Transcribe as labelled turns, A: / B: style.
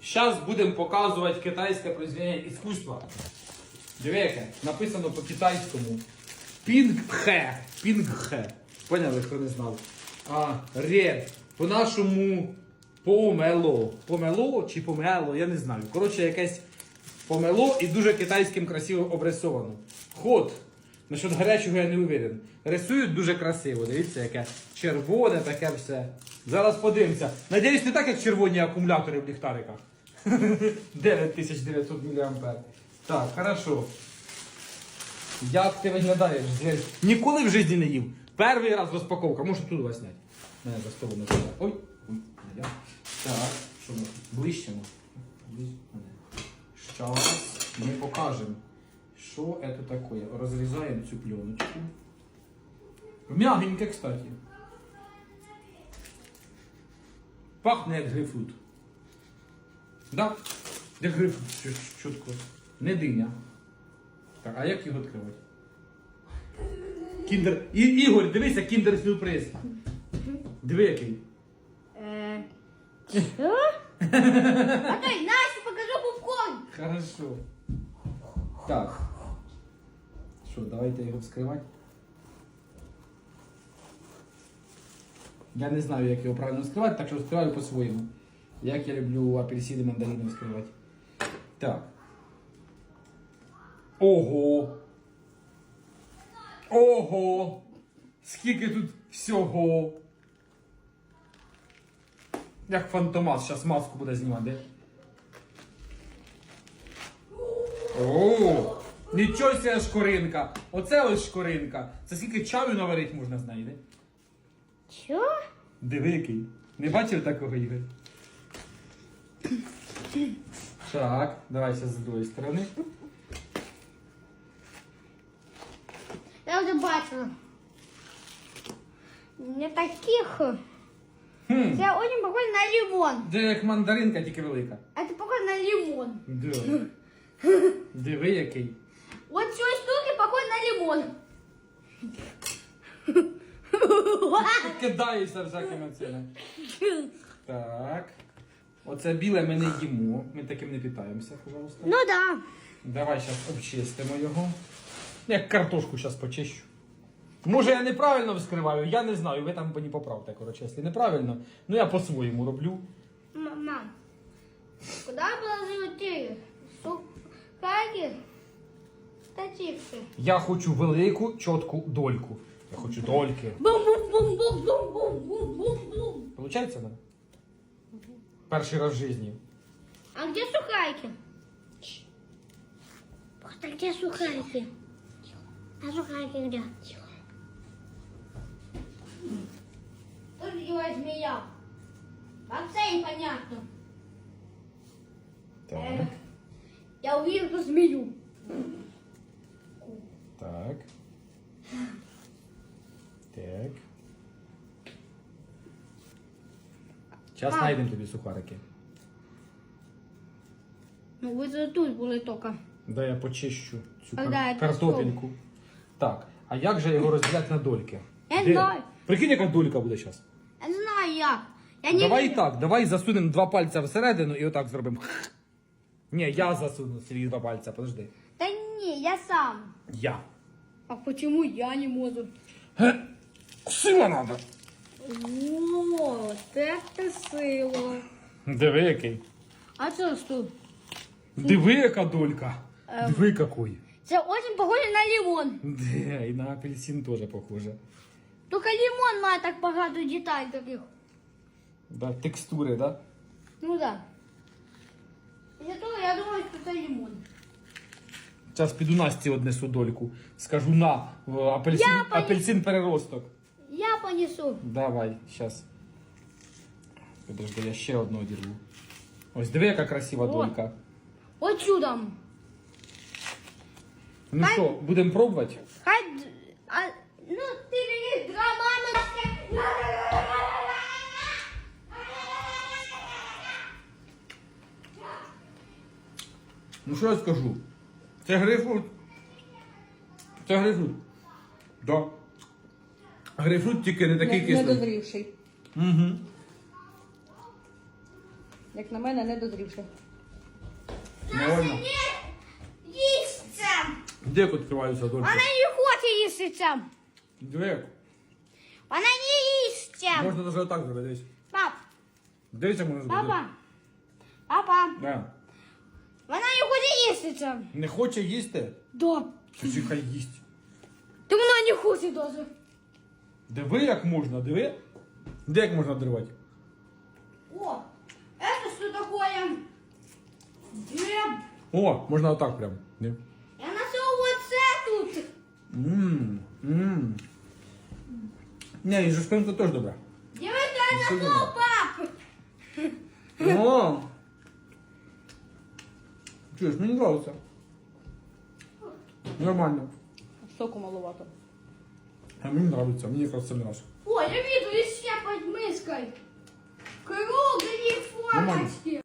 A: Зараз будемо показувати китайське произведення іскусства. Диви, яке написано по-китайському. Пінгхе. Пінгхе. Поняли, хто не знав? Ре. По-нашому помело. Помело чи помело, я не знаю. Коротше, якесь помело і дуже китайським красиво обрисовано. Ход. Насчет гарячого я не уверен. Рисують дуже красиво. Дивіться, яке червоне таке все. Зараз подивимося. Надіюсь, не так, як червоні акумулятори в ліхтариках. 9900 мА. Так, хорошо. Як ти виглядаєш? Ніколи в житті не їв. Перший раз розпаковка. Можу тут вас зняти. Мене за столом не треба. Ой. Так, що ми? Ближчемо. Зараз ми покажемо, що це таке. Розрізаємо цю пленочку. Мягеньке, кстати. Пахне як грейпфрут. Да? Як грейпфрут, чутко. Не диня. Так, а як його відкривати? Кіндер... Ігор, дивися, кіндер-сюрприз. Диви який.
B: Що? Окей, Настя, покажу попкорн.
A: Хорошо. Так. Що, давайте його вскривати. Я не знаю, як його правильно вскривати, так що вскриваю по-своєму. Як я люблю апельсини, мандарини вскривати. Так. Ого! Ого! Скільки тут всього! Як Фантомас, зараз маску буде знімати, де? О! Нічого себе шкоринка! Оце ось шкоринка! Це скільки чаю наварити можна з неї, де?
B: Що?
A: Диви який. Не бачив такого, Ігор? Так, давай зараз з другої сторони.
B: Я вже бачила. Не таких. Це очень похоже на лимон.
A: Це як мандаринка, тільки велика.
B: А це похоже на лимон.
A: Да. Диви який.
B: Вот с той штуки похоже на лимон.
A: Ти кидаєшся всякими цими. Так. Оце біле ми не їмо. Ми таким не питаємося, пожалуйста.
B: Ну да.
A: Давай зараз обчистимо його. Як картошку зараз почищу. Може я неправильно вскриваю, я не знаю, ви там мені поправте, коротше, якщо неправильно. Ну я по-своєму роблю.
B: Мама, куда положил ты? Сухари? Та чипсы.
A: Я хочу велику, чітку дольку. Я хочу дольки.
B: Бум-бум-бум-бум-бум-бум-бум-бум.
A: Получається, да? Перший раз в житті.
B: А где сухарики? А где сухарики? А сухарики где? Кто же делает змея? Вообще непонятно.
A: Так.
B: Я увидел эту змею.
A: Так. Так. Зараз знайдемо тобі сухарики.
B: Ну вы же тут были только.
A: Дай я почищу цю
B: Да, це
A: картопельку. Так, а як же його розділяти на дольки?
B: Я не
A: Де?
B: знаю.
A: Прикинь, яка долька буде зараз.
B: Я не знаю як. Я не
A: Давай
B: видел.
A: так, давай засунемо два пальця всередину і отак зробимо. Ні, я засуну собі два пальця, подожди.
B: Да не, я сам.
A: Я.
B: А почему я не могу?
A: Сила надо.
B: Вот это сила.
A: Диви який.
B: А что тут?
A: Диви яка долька. Диви який.
B: Это очень похоже на лимон.
A: Де, і на апельсин теж похоже.
B: Только лимон має так багато деталей таких.
A: Да, текстури, да?
B: Ну да. Из-за того я думаю, что это лимон.
A: Зараз піду Насті однесу дольку. Скажу на апельсин,
B: Я поїм.
A: апельсин переросток.
B: Я понесу.
A: Давай, зараз. Подожди, я ще одну одірву. Ось диви, яка красива
B: О.
A: долька.
B: Вот чудом.
A: Ну що, будемо пробувати?
B: Ну ты видишь, мамочка.
A: Ну що я скажу? Це грейпфрут. Це грейпфрут. Да. Грейпфрут тільки не такий кислий.
C: Недозрівший.
A: Угу.
C: Як на мене, не дозрівши.
A: Нормально.
B: Їсться.
A: Де відкриваються дольки?
B: Вона не хоче їсться.
A: Диви.
B: Вона не їсться.
A: Можна навіть отак зробити. Дивись.
B: Пап,
A: Дивіться, можна зробити.
B: папа, папа,
A: Да.
B: вона не хоче їсться.
A: Не хоче їсти?
B: Да.
A: Тоді хай їсть.
B: Та вона не хоче даже.
A: Диви, як можна, диви. Де як можна дривати?
B: О, это что такое? Где?
A: О, можна отак прям. Ні.
B: Я нашел вот это тут.
A: Ммм. Не, і жовтинка теж добра.
B: Где это я
A: Что
B: нашел, пап?
A: О! Чуєш, мені нравится. Нормально.
C: Соку маловато.
A: А мені нравится, мені якраз це нравится.
B: Ой, я вижу еще под миской. Круглые
A: Нормально.
B: фоточки.